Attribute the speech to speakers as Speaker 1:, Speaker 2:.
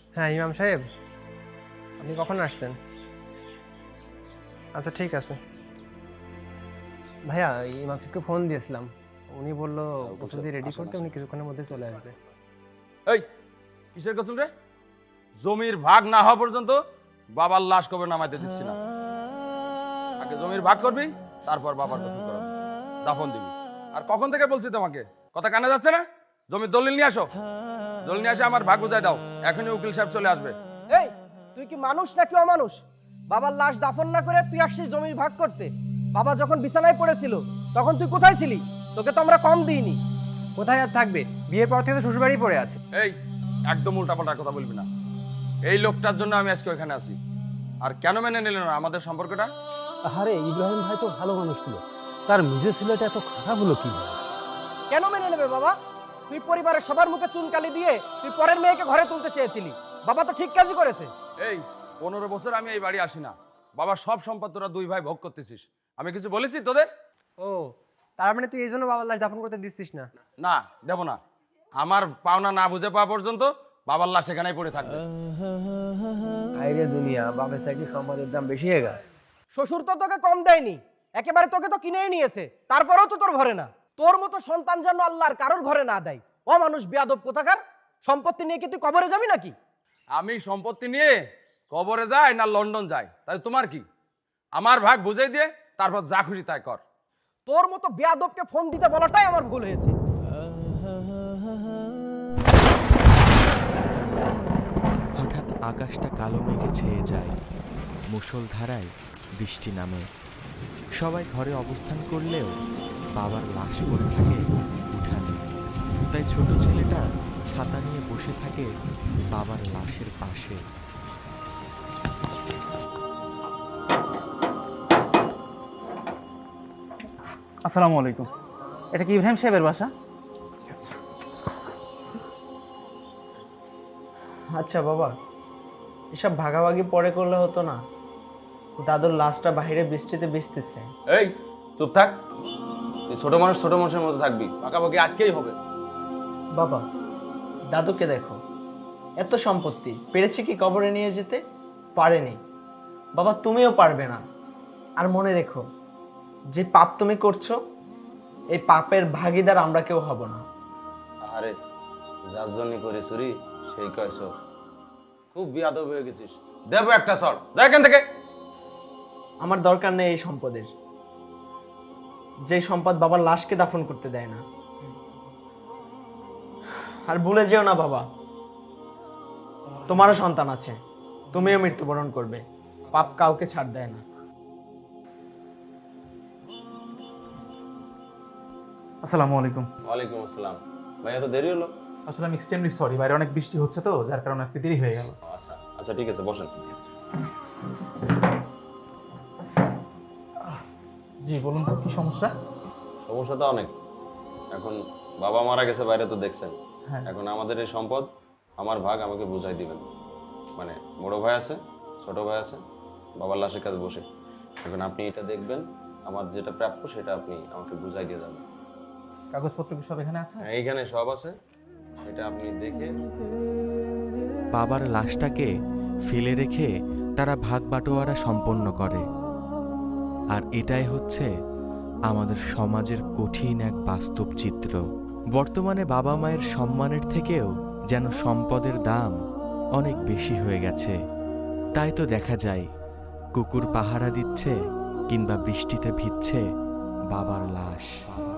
Speaker 1: হ্যাঁ ইমাম সাহেব, আপনি কখন আসছেন? আচ্ছা ঠিক আছে ভাইয়া, ইমাম সাহেবকে ফোন দিয়েছিলাম, উনি বললো প্রস্তুতি রেডি করতে, উনি কিছুক্ষণের মধ্যে চলে আসবে।
Speaker 2: এই কিসের গোসল রে? জমির ভাগ না হওয়া পর্যন্ত বাবার লাশ কবে নামাইতে দিচ্ছি না। আগে জমির ভাগ করবি, তারপর বাবার গোসল করাবি, দাফন দিবি। আর কখন থেকে বলছি তোমাকে, কথা কানে যাচ্ছে না? জমির দলিল নিয়ে আসো, দলিল নিয়ে আসে আমার ভাগ বুঝাই দাও, এখনই উকিল সাহেব চলে আসবে।
Speaker 3: এই তুই কি মানুষ নাকি অমানুষ? বাবার লাশ দাফন না করে তুই আসছিস জমির ভাগ করতে? বাবা যখন বিছানায় পড়েছিল তখন তুই কোথায় ছিলি? তোকে তো আমরা কম দিইনি।
Speaker 1: কোথায় আর থাকবে, বিয়ের পর থেকে তো শ্বশুরবাড়ি পড়ে আছে।
Speaker 2: এই একদম উল্টাপাল্টা কথা বলবি না। এই লোকটার জন্য আমি আজকে ওইখানে আছি। আর কেন মেনে নিলেন না আমাদের সম্পর্কটা?
Speaker 4: আরে ইব্রাহিম ভাই তো ভালো মানুষ ছিল, তার নিজের ছেলেটা এত খারাপ হলো কি?
Speaker 3: কেন মেনে নেবে বাবা? তুই পরিবারের সবার মুখে চুনকালি দিয়ে তুই পরের মেয়েকে ঘরে তুলতে চেয়েছিলি। বাবা তো ঠিক কাজই করেছে।
Speaker 2: এই 15 বছর আমি এই বাড়ি আসি না, বাবার সব সম্পদ তোরা দুই ভাই ভোগ করতেছিস, আমি কিছু বলেছি তোদের?
Speaker 1: ও, তার মানে তুই এই জন্য বাবার লাশ দাফন করতে দিচ্ছিস না?
Speaker 2: না, দেব না। আমার পাওনা না বুঝে পাওয়া পর্যন্ত বাবার লাশ এখানেই পড়ে থাকবে।
Speaker 4: আইরে দুনিয়া, বাপের চাকরি সম্পদের দাম বেশি হয়ে গেছে।
Speaker 3: শ্বশুর তো তোকে কম দেয়নি, একেবারে তোকে তো কিনেই নিয়েছে, তারপরেও তো তোর ঘরে না। তোর মতো সন্তান যেন আল্লাহর কারোর ঘরে না দেয়। ও মানুষ বেয়াদব কোথাকার। সম্পত্তি নিয়ে কি তুই কবরে যাবি নাকি?
Speaker 2: আমি সম্পত্তি নিয়ে কবরে যাই না লন্ডন যাই, তাই তোমার কি? আমার ভাগ বুঝাই দিয়ে তারপর যা খুশি তাই কর।
Speaker 3: তোর মতো বেয়াদবকে ফোন দিতে বলাটাই আমার ভুল হয়েছে।
Speaker 5: হঠাৎ আকাশটা কালো মেঘে ছেয়ে যায়, মুষলধারায় বৃষ্টি নামে। সবাই ঘরে অবস্থান করলেও বাবার লাশ পড়ে থাকে উঠানে। তাই ছোট ছেলেটা ছাতা নিয়ে বসে থাকে বাবার লাশের পাশে।
Speaker 6: আসসালামু আলাইকুম, এটা কি ইব্রাহিম সাহেবের বাসা?
Speaker 7: আচ্ছা বাবা, এসব ভাগাভাগি পরে করলে হতো না? দাদুর লাশটা বাইরে বৃষ্টিতে ভিজতেছে।
Speaker 2: এই চুপ থাক, তুই ছোট মানুষ ছোট মানুষের মতো থাকবি, পাকাপাকি আজকেই হবে।
Speaker 7: বাবা, দাদুকে দেখো, এত সম্পত্তি পেরেছে কি কবরে নিয়ে যেতে? পারেনি। বাবা তুমিও পারবে না। আর মনে রেখো, যে পাপ তুমি করছো, এই পাপের ভাগীদার আমরা কেউ হব না।
Speaker 2: আরে যার জন্য করে চুরি সেই কয় সর। খুব বিয়াদব হয়ে গেছিস, দেব একটা সর, যা এখান থেকে।
Speaker 7: আমার দরকার নেই এই সম্পদের, যে সম্পদ বাবার লাশকে দাফন করতে দেয় না। আর ভুলে যেও না বাবা, তোমারও সন্তান আছে, তুমিও মৃত্যুবরণ করবে। পাপ কাউকে ছাড় দেয় না।
Speaker 6: আসসালামু আলাইকুম।
Speaker 2: ওয়ালাইকুম আসসালাম। ভাই এত দেরি হলো?
Speaker 6: আসলে আমি এক্সট্রিমলি সরি, বাইরে অনেক বৃষ্টি হচ্ছে তো, যার কারণে একটু দেরি হয়ে গেল।
Speaker 2: আচ্ছা আচ্ছা ঠিক আছে, বসেন।
Speaker 6: জি বলুন তো, কি সমস্যা?
Speaker 2: সমস্যা তো অনেক। এখন বাবা মারা গেছে, বাইরে তো দেখছেন।
Speaker 6: হ্যাঁ।
Speaker 2: এখন আমাদের এই সম্পদ আমার ভাগ আমাকে বুঝাই দিবেন। মানে বড় ভাই আছে, ছোট ভাই আছে, বাবার লাশের কাছে বসে। এখন আপনি এটা দেখবেন, আমার যেটা প্রাপ্য সেটা আপনি আমাকে বুঝাই দিয়ে যাবেন।
Speaker 6: কাগজপত্র কি সব এখানে আছে?
Speaker 2: হ্যাঁ, এইখানে সব আছে, সেটা আপনি দেখে।
Speaker 5: বাবার লাশটাকে ফেলে রেখে তারা ভাগ বাটোয়ারা সম্পন্ন করে। আর এটাই হচ্ছে আমাদের সমাজের কঠিন এক বাস্তব চিত্র। বর্তমানে বাবা মায়ের সম্মানের থেকেও যেন সম্পদের দাম অনেক বেশি হয়ে গেছে। তাই তো দেখা যায় কুকুর পাহারা দিচ্ছে কিংবা বৃষ্টিতে ভিজছে বাবার লাশ।